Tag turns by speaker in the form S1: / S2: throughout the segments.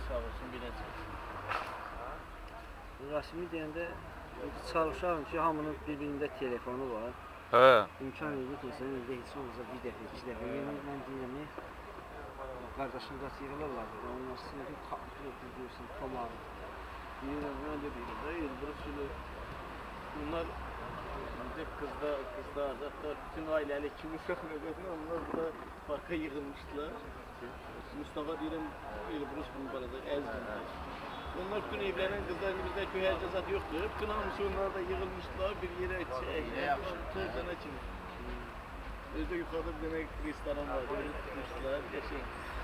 S1: sağ olsun biləcək.
S2: Rəsmi deyəndə çalışarım ki, hamının bir-birində telefonu var.
S3: Hə.
S2: İmkan verir ki, sən evdə heç olmasa bir dəfə, iki dəfə yemək mən deyəmək. Qardaşım da yığılırlar. Onlar sınıfı kaplı görürsən, tomarı.
S1: Deyirəm, mən də deyirəm də, Elbrus Sülü. Bunlar kızlar, hatta bütün ailəli kimi uşaq növbətində onlar burada parka yığılmışdılar. Mustafa deyirəm, Elbrus bunu barada əzdirdi. Onlar bütün evlenen kızlar bizdə köy cəzat yoxdur. Bütün hamısı onlar da yığılmışdılar bir yerə tırcana kimi. Özdə yuxarıda bir demək restoran var, öyle tutmuşdular, geçin.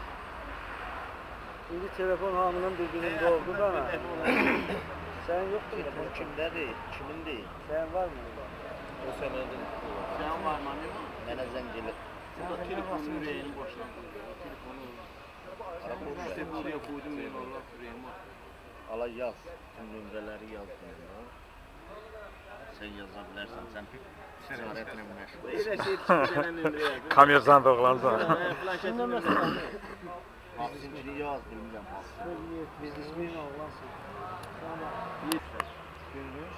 S2: Şimdi telefon hamının bir-birində oldu da ana. Sen yoktur.
S1: Telefon kimdədir, kimindir?
S2: Sen var mı?
S1: O sənədir. Sən var mı? Mənə zəng gəlir. Burada telefonu ürəyini boşdan qoyuyor. Telefonu. İşte buraya koydum benim Allah ürəyimi. Ala yaz. Tüm nömrələri yazdım. Sen yazabilirsen. Sen ticaretle meşgul. Elə şey çıxacağına nömrə yazdım.
S3: Kamerdan doğulansan.
S1: Planşetin nömrəsini. Bizimkini yaz bilmirəm.
S2: Biz ismini Allah'sın. Tamam. Görürüz.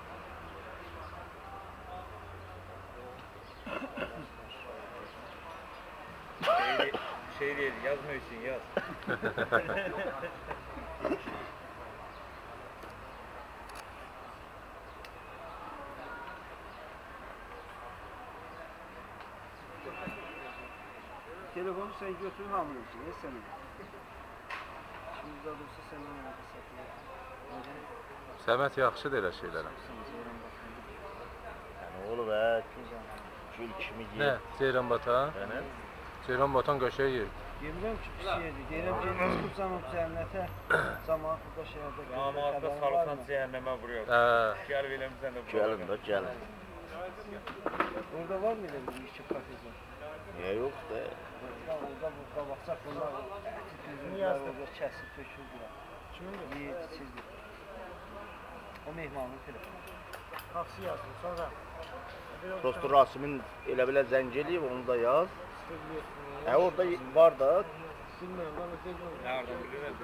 S4: Şey değil, yazmıyorsun yaz.
S2: Telefonu sen götür hamile için, ne senin? Şimdi de olursa sen onu satıyor.
S3: Səmət yaxşıdır elə şeylərə.
S1: Yəni oğlu və gül kimi
S3: Nə?
S1: yer.
S3: Ceyran batan?
S1: Yəni
S3: Ceyran batan qəşəng yer.
S2: Demirəm ki, pis yerdir. Deyirəm ki, çıxıb zaman cənnətə, zaman burada şəhərdə
S4: Damatda salsan cehenneme vuruyor. Gel bilemizden de
S1: gəlin də gəlin.
S2: Orada var mı elə bir işçi kafesi?
S1: Niyə yox da?
S2: Orada bu qabaqsaq bunlar tütünlər orada kəsib töküldülər. Kimindir? Yeyir, içirdi. O mehmanın telefonu. Taksi yazdım, sonra.
S1: Dostu Rasimin elə belə zəng eləyib, onu da yaz. Orada var da.
S2: Bilmirəm, bana telefon.
S4: Nereden biliyorsun?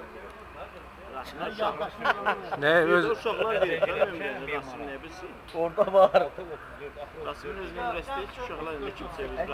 S3: Nə öz
S1: Uşaqlar verir, Rasim nə bilsin? Orada var. Rasimin öz nömrəsi deyil ki, uşaqlar nə kimsə verir.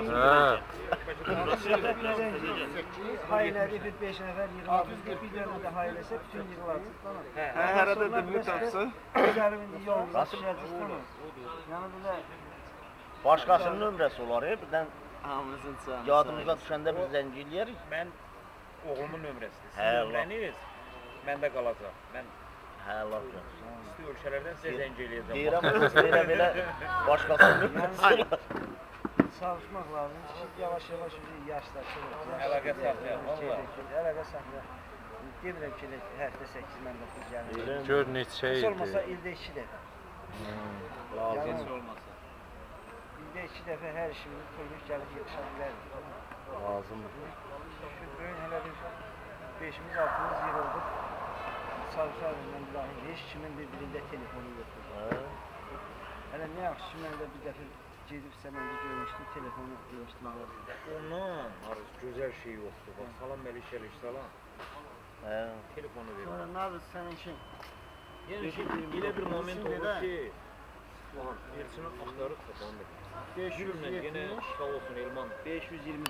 S2: Hayırları bir 5 nəfər 26 bir dənə də hayırləsə bütün yığılacaq.
S1: Hərədə də bir tapsa.
S2: Üzərində yolda düşəcək. Yəni belə
S1: Başqasının nömrəsi olar, birdən
S2: hamımızın canı.
S1: yadımıza düşəndə biz zəng eləyərik.
S4: Ben oğlumun nömrəsidir.
S1: Hə,
S4: Sizin nömrəniz məndə qalacaq. Mən
S1: Hə, laf yox.
S4: isti ölkələrdən sizə zəng eləyəcəm.
S1: Deyirəm, belə başqasının nömrəsi olar.
S2: Çalışmaq lazım ki, yavaş-yavaş yaşlaşır.
S4: Əlaqə saxlayaq, valla.
S2: Əlaqə saxlayaq. Demirəm ki, həftə 8 mən 9 gəlir.
S3: gör neçə
S2: Heç olmasa
S3: ildir.
S2: ildə 2 dəfə.
S1: Lazım.
S2: olmasa. İldə 2 dəfə hər işimiz pulmuş gəlib yetişə bilərik.
S1: Lazımdır.
S2: Bugün hələ bir 5-imiz 6-mız yığıldıq. Çalışarım mən dahi heç kimin bir-birində telefonu yoxdur. Hələ nə yaxşı ki, mən də bir dəfə gedib sənəndə görmüşdüm, telefonu demişdim.
S4: Ondan arız gözəl şey yoxdur. Bax, salam Məlikəlik, salam. Telefonu verir.
S2: Sonra nə yapıyorsun sənin işin?
S4: Yəni ki, elə bir moment olur ki, Elçinin axtarıb tapandı.
S2: 570,
S4: Yenə sağ olsun Elman.
S2: 520